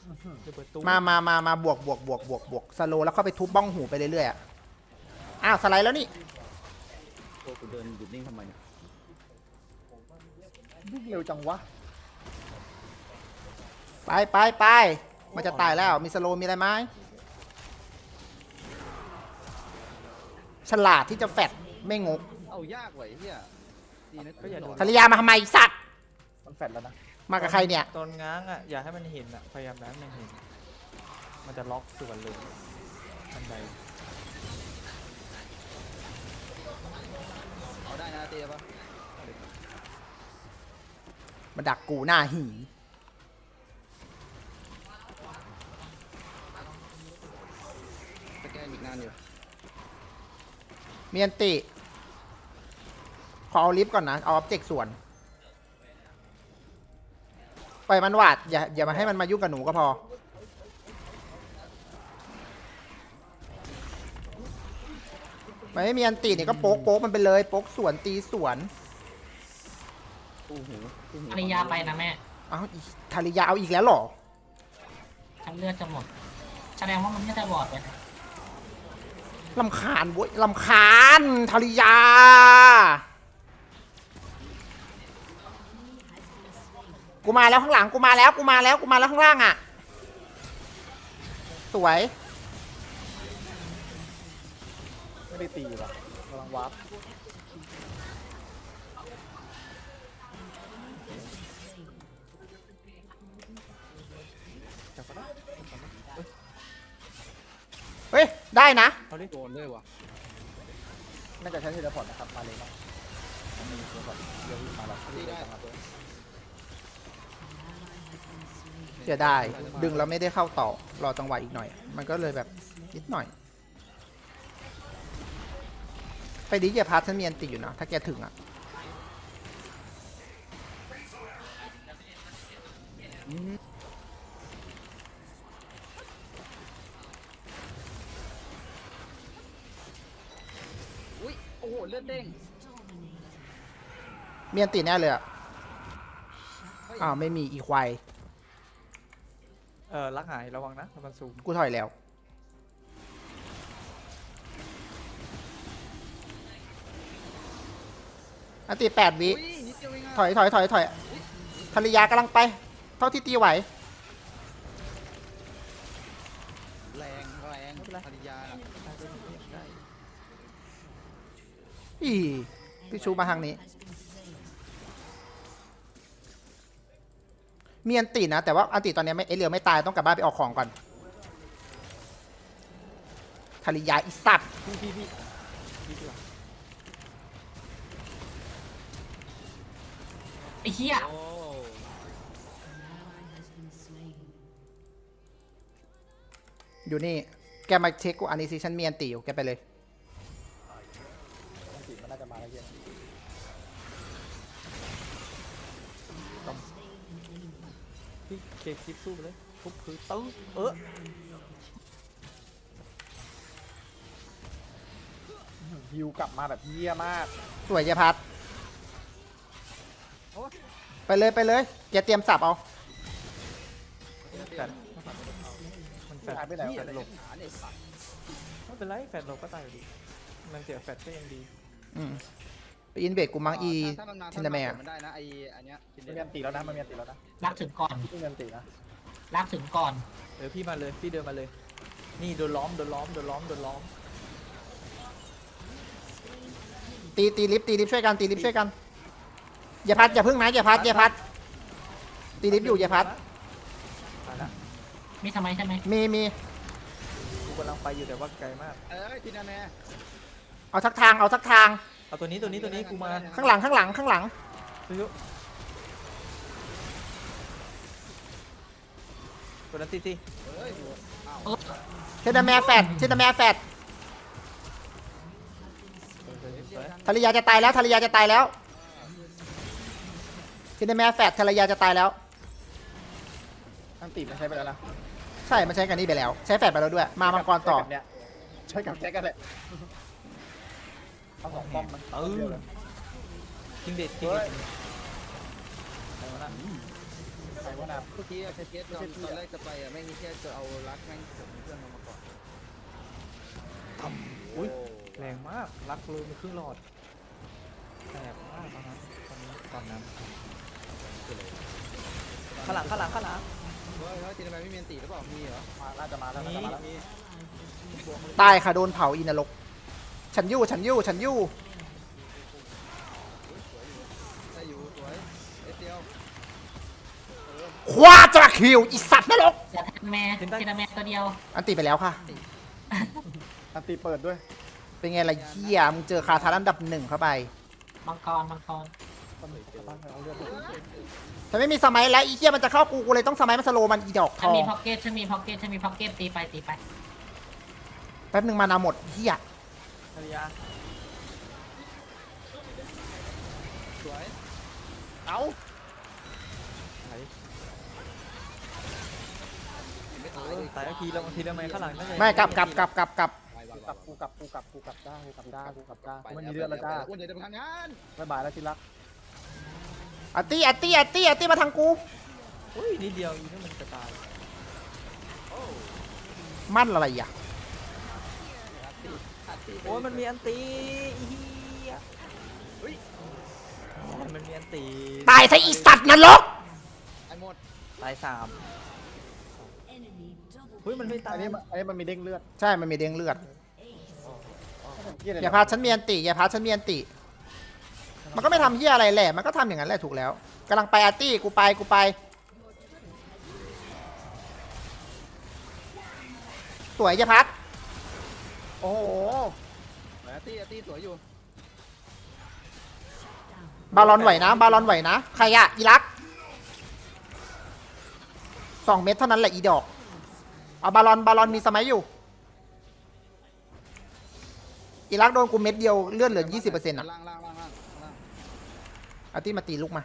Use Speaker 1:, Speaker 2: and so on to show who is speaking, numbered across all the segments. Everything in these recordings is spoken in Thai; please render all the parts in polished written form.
Speaker 1: มาบวกสโลแล้วเข้าไปทุบบ้องหูไปเรื่อยๆอะอ้าวสไลด์แล้วนี่
Speaker 2: ตัวกูเดินหยุดนิ่งทำไมเนี่ย
Speaker 3: วิ่งเร็วจังวะ
Speaker 1: ไปมันจะตายแล้วมีสโลมีอะไรไหมฉลาดที่จะแฟดไม่งก
Speaker 2: เอายากไว้เฮียดีนะก็อย่าโดน
Speaker 1: ภรรยามาทำไมสัตว์
Speaker 3: มันแฟดแล้วนะ
Speaker 1: มากับใครเนี่ย
Speaker 4: ตอนง้างอ่ะอย่าให้มันเห็นอ่ะพยายามให้มันเห็นมันจะล็อกส่วนเลยทันใด
Speaker 2: เอาได้นะเตี้ยปะ
Speaker 1: มาดักกูหน้าหี
Speaker 2: สแกนอีกนานอยู่
Speaker 1: เมียนติขอเอาลิฟต์ก่อนนะเอาออบเจกต์ส่วนปล่อยมันวาดอย่ามาให้มันมายุ่งกับหนูก็พอไม่มีอันตีนี่ก็โป๊กมันไปเลยโป๊กสวนตีสวน
Speaker 2: ตู้หู
Speaker 5: ภรรยาไปนะแม่
Speaker 1: เอาอีทาริยาเอาอีกแล้วเหรอ
Speaker 5: ฉันเลือดจะหมด แสดงว่ามันไม่ได้บอดเลยนะ
Speaker 1: ลำคาญเว้ยลำคาญทาริยากูมาแล้วข้างหลังกูมาแล้วข้างล่างอ่ะสวย
Speaker 3: ไม่ได้ตีว่ะกำลังวาร์ป
Speaker 4: จับก็ได้
Speaker 1: เฮ้ยได้นะ
Speaker 4: เอาดิ
Speaker 2: โดนด้วยวะ
Speaker 3: น่าจะใช้เทเลพอร์ตนะครับมาเลยเนาะมีเทเลพอร์ตเดี๋ยววิ่งมาแล้ว
Speaker 2: ตีได้
Speaker 1: เสียดายดึงแล้วไม่ได้เข้าต่อรอจังหวะอีกหน่อยมันก็เลยแบบนิดหน่อยไปดิอย่าพาฉันมีอันติอยู่นะถ้าแกถึงอ่ะ
Speaker 2: อุ้ยโอ้โหเลือดเด้ง
Speaker 1: มีอันติแน่เลยอ่ะอ้าวไม่มีอีควาย
Speaker 4: ลักหายระวังนะมันสูง
Speaker 1: กูถอยแล้วอันติ8 วิ
Speaker 2: อุ้ยนิดเดียวเองอะ
Speaker 1: ถอยภรรยากำลังไปเท่าที่ตีไหว
Speaker 2: แรงภรรยาน่ะ
Speaker 4: ได้
Speaker 1: อีพี่ชูมาทางนี้มีอันตินะแต่ว่าอันติตอนนี้ไม่เรือไม่ตายต้องกลับบ้านไปออกของก่อนภรรยาอีสัตว์
Speaker 4: พี่ดีกว่า
Speaker 5: ไอ้เหี้ย
Speaker 2: โอ้
Speaker 1: อยู่นี่แกมาเช็คกูอันนี้สิฉันมีอันติอยู่แกไปเลย
Speaker 3: อันติมันน่าจะมาแล้วเย็น
Speaker 4: พี่เคคลิปสู้ไปเลยทุบคือตึ้ง
Speaker 3: ฮิวกลับมาแบบเยี่ยมาก
Speaker 1: สวยเยพัดไปเลยแกเตรียมสับเอา
Speaker 4: แฟดมันแฟด
Speaker 3: หายไปไหน
Speaker 2: เหี้ยว
Speaker 3: ะ
Speaker 2: หลบขาเนี่ยสัตว์
Speaker 4: ไม่เป็นไรแฟดเราก็ตายอยู่ดีมันเสียแฟดก็ยังดี
Speaker 1: อืมไปอินเวดกูมังอี
Speaker 2: ถ้ามันมา
Speaker 1: ทินดาแมร์
Speaker 2: มันได้นะไออันเนี้ยทิน
Speaker 3: มัน
Speaker 2: เด
Speaker 3: มีอันติแล้วนะมันมีอันติแล้วนะ
Speaker 5: รักถึงก่อน
Speaker 3: ที่มีอันตินะ
Speaker 5: รักถึงก่อน
Speaker 4: พี่มาเลยพี่เดินมาเลย นี่โดนล้อม
Speaker 1: ตีลิฟต์ช่วยกันอย่าพัดอย่าพึ่งนะอย่าพัดตีลิฟต์อยู่อย่าพัด
Speaker 4: มาละ
Speaker 5: มีทำไมใช่ไหม
Speaker 1: มี
Speaker 4: กูกำลังไปอยู่แต่ว่าไกลมาก
Speaker 2: ทินดาแมร์
Speaker 1: เอาสักทาง
Speaker 4: เอาตัวนี้กูมา
Speaker 1: ข้างหลัง
Speaker 4: ตัวนั้นตี
Speaker 2: เฮ้ย
Speaker 1: เทนดาแมร์แฟดภรรยาจะตายแล้วเทนดาแมร์แฟดภรรยาจะตายแล้ว
Speaker 3: อันติมันใช้ไปแล้วนะ
Speaker 1: ใช่มันใช้กันนี่ไปแล้วใช้แฟดไปแล้วด้วยมามังกรต่อ
Speaker 3: ใช้กับแจ็คกันแหละเอาสองป้อมมันเดียวเลย
Speaker 4: คิงเด็ด
Speaker 3: เฮ้ย
Speaker 4: ไปมาละ
Speaker 3: รวะนะ
Speaker 2: เมื่อกี้เกตตอนแรกจะไปอ่ะไม่มีแค่จะเอารักแม่งผมเพื่อนมาก่อน
Speaker 4: อุ้ยแรงมากรักเลยมีครึ่งหลอดแสบมากตอนนั้นตอนนั้นข้างหลัง
Speaker 2: เฮ้ยทีทำไมไม่มีอันตีหรือเปล่ามีเหรอ
Speaker 3: มาน่าจะมาแล้ว
Speaker 2: มี
Speaker 1: ตายค่ะโดนเผาอินรกฉันยู่
Speaker 2: ได้อยู่สวยเดียว
Speaker 1: คว้าจะคิวอีสัตว์นรก
Speaker 5: จะแทนแม่ทีละแม่ตัวเดียว
Speaker 1: อันตีไปแล้วค่ะ
Speaker 3: อันตีเปิดด้วย
Speaker 1: เป็นไงล่ะเหี้ยมึงเจอคาถาอันดับ 1เข้าไป
Speaker 5: มังกร
Speaker 3: ต้องมีบ้านเอาเลือด
Speaker 1: ฉันไม่มีสมัยแล้วอีเหี้ยมันจะเข้ากูเลยต้องสมัยมันสโลมันอีดอกท
Speaker 5: ฉัน
Speaker 1: อง
Speaker 5: มีพ็อกเก็ตฉันมีพ็อกเก็ตตีไป
Speaker 1: แป๊บนึงมานาหมดเหี้ย
Speaker 4: ภรรยา
Speaker 2: สวย
Speaker 3: เอา
Speaker 4: ไหน
Speaker 2: ไม่ตาย
Speaker 4: ตายแล้วทีละไม้ข้างหลังนั่นไง
Speaker 1: ไม่กลับ
Speaker 3: กูกลับได้กูกลับได้มันมีเลือดแล้วจ้า
Speaker 2: อ้วนใหญ่จะไปทำงาน
Speaker 3: บ๊ายบายแล้วที่รัก
Speaker 1: อัตตี้มาทางกู
Speaker 4: อุ้ยนิดเดียวอีนี่มันจะตาย
Speaker 1: มั่นอะไรอ่ะ
Speaker 4: โอ้ยมันมีอันตีอีเหี้ยเฮ้ยมันมีอันตี
Speaker 1: ตายซะอีสัตว์นรก
Speaker 2: ไอ้หมด
Speaker 4: ตาย3เฮ้ยมันไม่ตาย
Speaker 3: อันนี้มันมีเด้งเลือด
Speaker 1: ใช่มันมีเด้งเลือด
Speaker 3: เหี้ยอะไร
Speaker 1: อย่าพาฉันมีอันติมันก็ไม่ทำเหี้ยอะไรแหละมันก็ทำอย่างนั้นแหละถูกแล้วกำลังไปอาร์ตี้กูไปสวยอย่าพัด
Speaker 3: โอ้โห
Speaker 2: ตี้สวยอยู่
Speaker 1: บาลอนไหวนะใครอะอีรัก2 เม็ดเท่านั้นแหละอีดอกเอาบาลอนมีสมัยอยู่อีรักโดนกูเม็ดเดียวเลื่อนเหลือ 20%อ่ะ
Speaker 2: ล่าง
Speaker 1: อาร์ตี้มาตีลูกมา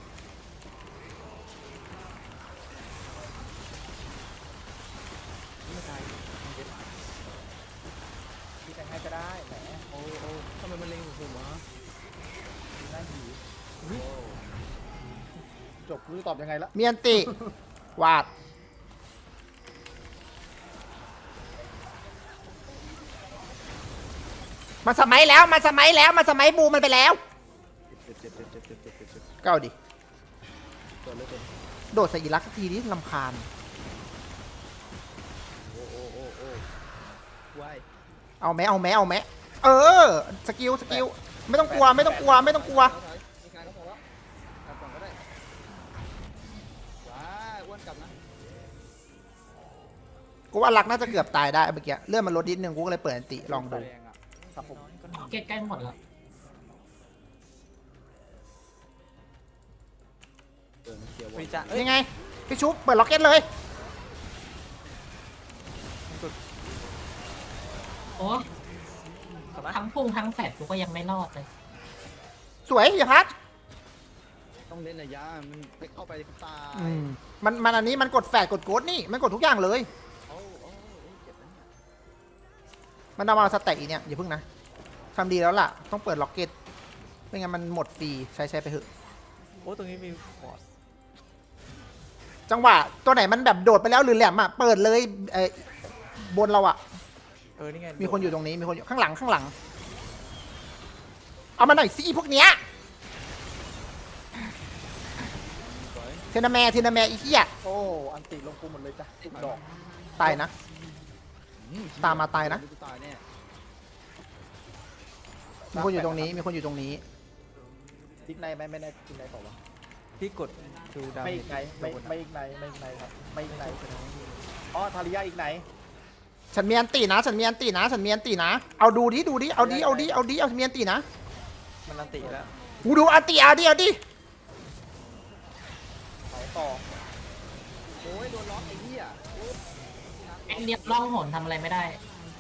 Speaker 3: ที่จะให้ก็ได้แหม
Speaker 2: โอ้ทำไมมันเล็งผมวะ
Speaker 3: น่าหิวจบรู้ตอบยังไงละ
Speaker 1: มีอันติ วาดมาสมัยบูมันไปแล้วเก้าดิโดดใส่อีรักสักทีนี้ลำคาญ
Speaker 2: โอ้วาย
Speaker 1: เอาแม้เออสกิลไม่ต้องกลัว
Speaker 2: มีการก็พอแล้วกลับก่อนก็ได้ว้าอ้วนกลับนะ
Speaker 1: กูว่ารักน่าจะเกือบตายได้เมื่อกี้เลื่อนมันลดนิดนึงกูก็เลยเปิดอันติลองดู
Speaker 4: แรงอะ
Speaker 3: ครับผม
Speaker 5: พ็อกเก็ตใกล้หมดแล้ว
Speaker 4: ฟรีจ้ะเอ้ย
Speaker 1: ยังไงพี่ชุบเปิดล็อกเก็ตเลย
Speaker 5: โอ้
Speaker 4: กลับมา
Speaker 5: ทั้งพุ่งทั้งแฟดกูก็ยังไม่รอดเลย
Speaker 1: สวยอย่าพัด
Speaker 2: ต้องเล่นระยะมันไปเข้าไปตาย
Speaker 1: มันอันนี้มันกดแฟดกดโกดนี่มันกดทุกอย่างเลย
Speaker 2: โอ้เจ็บนะ
Speaker 1: มันเอามาสแต็กอีเนี่ยอย่าพึ่งนะทำดีแล้วล่ะต้องเปิดล็อกเก็ตไม่งั้นมันหมดฟรีใช้ไปเถอะ
Speaker 4: โอ้ตรงนี้มีฟอร์ด
Speaker 1: จังหวะตัวไหนมันแบบโดดไปแล้วหรือแหลมอ่ะเปิดเลยบนเราอ่ะ
Speaker 4: นี่ไง
Speaker 1: มีคนอยู่ตรงนี้มีคนอยู่ข้างหลังเอามาหน่อยสิพวกเนี้ยเทนาแมอีเหี้ย
Speaker 3: โอ้อันตีลงกูหมดเลยจ้ะดอก
Speaker 1: ตายนะ ตามมาตายนะ
Speaker 2: ตายแน่
Speaker 1: มีคนอยู่ตรงนี้
Speaker 3: ทิกในไม่ได้ทิกในต่อวะ
Speaker 4: พี่กดดูดาว
Speaker 3: ไม่อีกไหนไม่อีกไหนครับไม่อีกไหนอ๋อทาริยาอีกไหน
Speaker 1: ฉันมีอันตีนะเอาดูดิเอามีอันตีนะ
Speaker 4: มันอันติแล้ว
Speaker 1: กูดูอันตีเอาดิ
Speaker 3: เผาต่อ
Speaker 2: โอ้ยโดนล็อกไอ้เหี้ย
Speaker 5: แอนเดียบล่องหนทำอะไรไม่ได้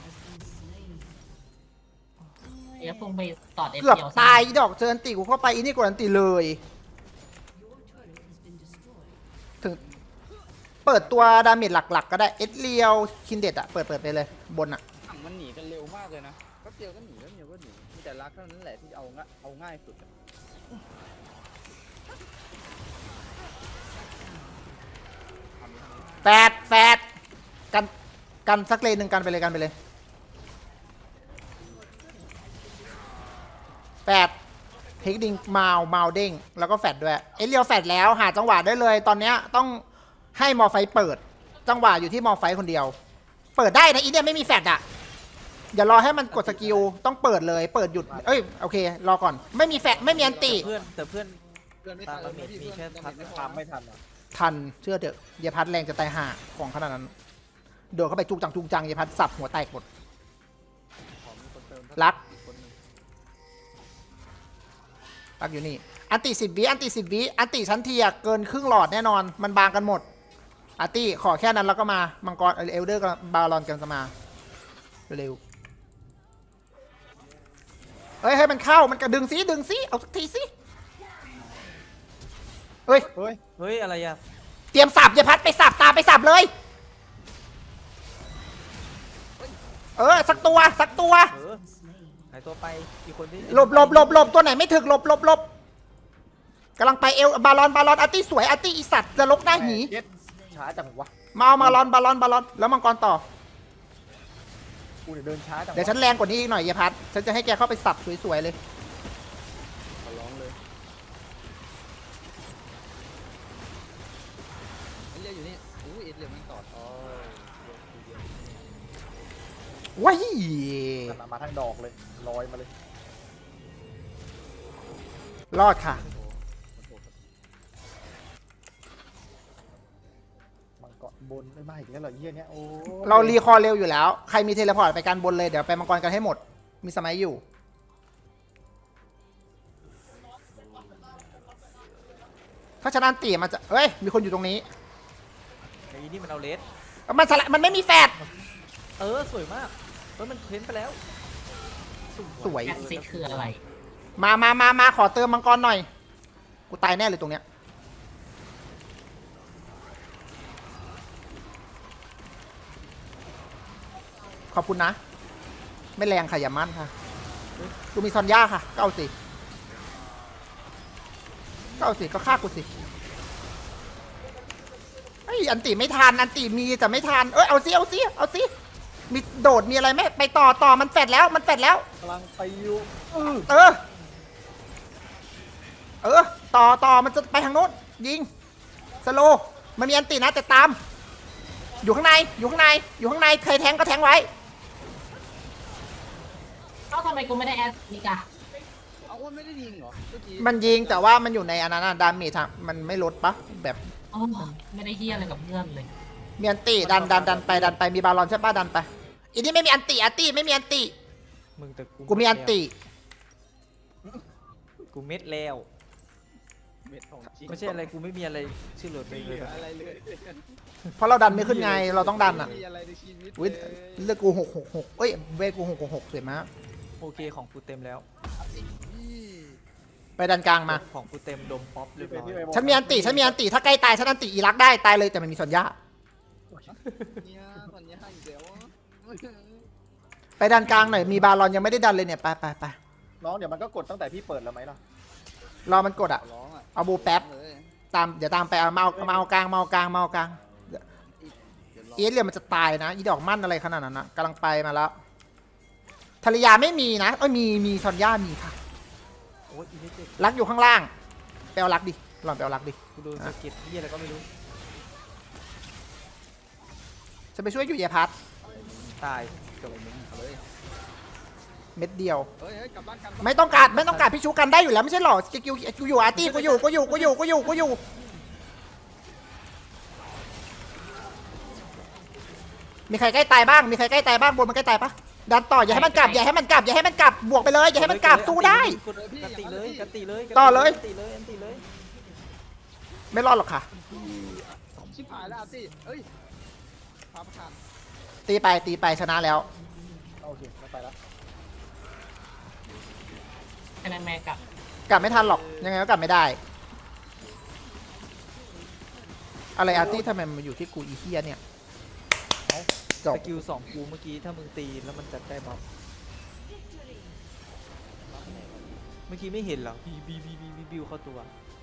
Speaker 5: เดี๋ยวพุ่งไปตอดเอฟ
Speaker 1: เกือบ
Speaker 5: เดียว
Speaker 1: ตายอีดอกเจออันตีกูเข้าไปอีนี่กดอันตีเลยถึงเปิดตัวดาเมจหลักๆก็ได้เอสเรียวคินเด็ดอะเปิดไปเลยบนอะ
Speaker 2: ถังมันหนีกันเร็วมากเลยนะแป๊บเดียวก็หนีมีแต่รักเท่านั้นแหละที่เอาง่ายสุด
Speaker 1: แฟดกันสักเลนหนึ่งกันไปเลยแฟดเฮกดิงเมาเด้งแล้วก็แฟดด้วยเอเรียวแฟดแล้วหาจังหวะได้เลยตอนเนี้ยต้องให้มอไฟเปิดจังหวะอยู่ที่มอไฟคนเดียว เปิดได้นะอีเนี่ยไม่มีแฟดอ่ะอย่ารอให้มันกดสกิลต้องเปิดเลยเปิดหยุดเอ้ยโอเครอก่อนไม่มีแฟดไม่มีอันติ
Speaker 4: แต่เพื่อน
Speaker 2: เพื่อนไม่
Speaker 4: ตา
Speaker 2: ทั
Speaker 4: ม
Speaker 2: น
Speaker 4: ดาเมจมีแค่
Speaker 2: ดา
Speaker 4: พัด
Speaker 2: เมจ
Speaker 3: ตามไม่ทันอ่ะ
Speaker 1: ทันเชื่อเถอะเยพัดแรงจะตายห่าของขนาดนั้นโดดเข้าไปจุกจังเยพัดสับหัวแตกหมด
Speaker 2: ของมีคนเติม
Speaker 1: รัก
Speaker 2: คนหนึ่ง
Speaker 1: รักอยู่นี่อันติ10 วิอันติ10 วิอันติชั้นเทียเกินครึ่งหลอดแน่นอนมันบางกันหมดอาร์ตี้ขอแค่นั้นแล้วก็มามังกรเอลเดอร์กับบาลอนกันจะมาเร็วเอ้ยให้มันเข้ามันกระดึงสิเอาสักทีสิเฮ้ย
Speaker 3: เฮ้ย
Speaker 4: เฮ้ยอะไรอะ
Speaker 1: เตรียมสับอย่าพัดไปสับตามไปสับเลยสักตัว
Speaker 4: หายตัวไปอีกคนที่
Speaker 1: หลบตัวไหนไม่ถึกหลบกำลังไปเอลบาลอนอาร์ตี้สวยอาร์ตี้อีสัตว์จะลกหน้าหี
Speaker 3: เย็ดช้าจังวะ
Speaker 1: มาเอาบาลอนแล้วมังกรต่อ
Speaker 3: กูเดินช้าจังวะ
Speaker 1: เดี๋ยวฉันแรงกว่านี้อีกหน่อยเยพัดฉันจะให้แกเข้าไปสับสวยๆเลย
Speaker 2: ขอร้องเลยเอเลียอยู่นี่อู้เอเลียมันตอดอ๋อ
Speaker 1: ว้าย
Speaker 3: มาทางดอกเลยลอยมาเลย
Speaker 1: รอดค่ะ
Speaker 3: มังกรบนไม่อีกแล้วเหรอเยี่ยเนี้ยโอ้
Speaker 1: เรารีคอร์เร็วอยู่แล้วใครมีเทเลพอร์ตไปการบนเลยเดี๋ยวไปมังกรกันให้หมดมีสมัยอยู่ถ้าชนะตีมันจะเฮ้ยมีคนอยู่ตรงนี้
Speaker 4: ไอ้นี่มันเอาเลส
Speaker 1: มันไม่มีแฟด
Speaker 4: สวยมากมันเพ้นไปแล้ว
Speaker 1: สวย
Speaker 5: แอดซิดคืออะไร
Speaker 1: มาขอเติมมังกรหน่อยกูตายแน่เลยตรงเนี้ยขอบคุณนะ ไม่แรงค่ะอย่ามั่นค่ะกูมีซอนย่าค่ะก็เอาสิก็ฆ่ากูสิไอ้ยอันติไม่ทันอันติมีแต่ไม่ทันเอาสิมีโดดมีอะไรไหมไปต่อมันแฟดแล้ว
Speaker 3: กำลังไปอยู่
Speaker 1: ต่อมันจะไปทางโน้นยิงสโลมันมีอันตินะแต่ตามอยู่ข้างในใครแทงก็แทงไว้
Speaker 5: เอ้าทำไมกูไม่ได้แอดนิกา
Speaker 2: เอาอ้วนไม่ได้ยิงเหรอเมื่อกี้
Speaker 1: มันยิงแต่ว่ามันอยู่ในอันนั้นดาเมจมันไม่ลดปะแบบ
Speaker 5: อ๋อไม่ได้เฮียอะไรกับเพื่อนเลย
Speaker 1: มีอันติดันไปมีบาลอนใช่ปะดันไปอีนี่ไม่มีอันติไม่มีอันติ
Speaker 4: มึงแต่
Speaker 1: กูมีอันติ
Speaker 4: กูเม็ดแล้ว
Speaker 2: เม็ดของจริง
Speaker 4: ไม่ใช่อะไรกูไม่มีอะไรชื่อหลุดไป
Speaker 2: ไม่เห
Speaker 4: เล
Speaker 2: ลื
Speaker 4: ย
Speaker 2: ออะไรเลย
Speaker 1: เพราะเราดันไม่ขึ้นไงเราต้องดันอ่ะ
Speaker 2: ไม่มีอะไรในชีวิต
Speaker 1: อุ้ย
Speaker 2: เลย
Speaker 1: เลือกกู666เอ้ยเวทกู666สวยมาก
Speaker 4: โอเคของกูเต็มแล้ว
Speaker 2: นี่
Speaker 1: ไปดันกลางมา
Speaker 4: ของกูเต็มดมป๊อปเรียบร้อย
Speaker 1: ฉันมีอันติถ้าใกล้ตายฉันอันติอีรักได้ตายเลยแต่มันมีสัญญา
Speaker 2: เนี่ยตอนนี้ให้อีกแล้วอะ
Speaker 1: ไปดันกลางหน่อยมีบาลอนยังไม่ได้ดันเลยเนี่ยไป
Speaker 3: น้องเดี๋ยวมันก็กดตั้งแต่พี่เปิดแล้วไหมล่ะ
Speaker 1: รอมันกดอ่ะ
Speaker 2: ขอร้องอ่ะ
Speaker 1: เอาบูแป๊บ
Speaker 2: เลย
Speaker 1: เดี๋ยวตามไปเอามาเอากลาง
Speaker 2: เดี๋ยวรอ
Speaker 1: เอสเรียมันจะตายนะอีดอกมั่นอะไรขนาดนั้นนะกำลังไปมาแล้วภรรยาไม่มีนะมีซอนย่ามีค่ะ
Speaker 4: โอ้ยอีเด็ก
Speaker 1: รักอยู่ข้างล่างไปเอารักดิหล่อนไปเอารักดิ
Speaker 4: กูดูสกิลที่อะไรก็ไม่รู้
Speaker 1: จะไปช่วยอยู่เยพัท
Speaker 4: ตาย
Speaker 2: จบมึงเอาเลย
Speaker 1: เม็ดเดียว
Speaker 2: เฮ้ยกลับบ้านกัน
Speaker 1: ไม่ต้องการพี่ชูกันได้อยู่แล้วไม่ใช่หรอกูอยู่อาร์ตี้กูอยู่มีใครใกล้ตายบ้างบนมันใกล้ตายปะดันต่ออย่าให้มันกลับ บวกไปเลยอย่าให้มันกลับสู้ได้
Speaker 4: กันติเลยกันติเลย
Speaker 1: ต่อเลย
Speaker 4: กันติเลย
Speaker 1: ไม่รอดหรอกค่ะ
Speaker 2: ชิบหายแล้วอาร์ตี้เอ้ยพาประธาน
Speaker 1: ตีไปชนะแล้ว
Speaker 3: โอเคไม่ไปแล้ว
Speaker 5: แค่นั้นแม่กับ
Speaker 1: กลับไม่ทันหรอกยังไงก็กลับไม่ได้ อะไรอาร์ตี้ทำไมมันอยู่ที่กูอีเฮียเนี่ยจ
Speaker 4: ส
Speaker 1: บ
Speaker 4: กิล2กูเมื่อกี้ถ้ามึงตีแล้วมันจะได้บัฟเมื่อกี้ไม่เห็นเหรอบิวเข้าตัว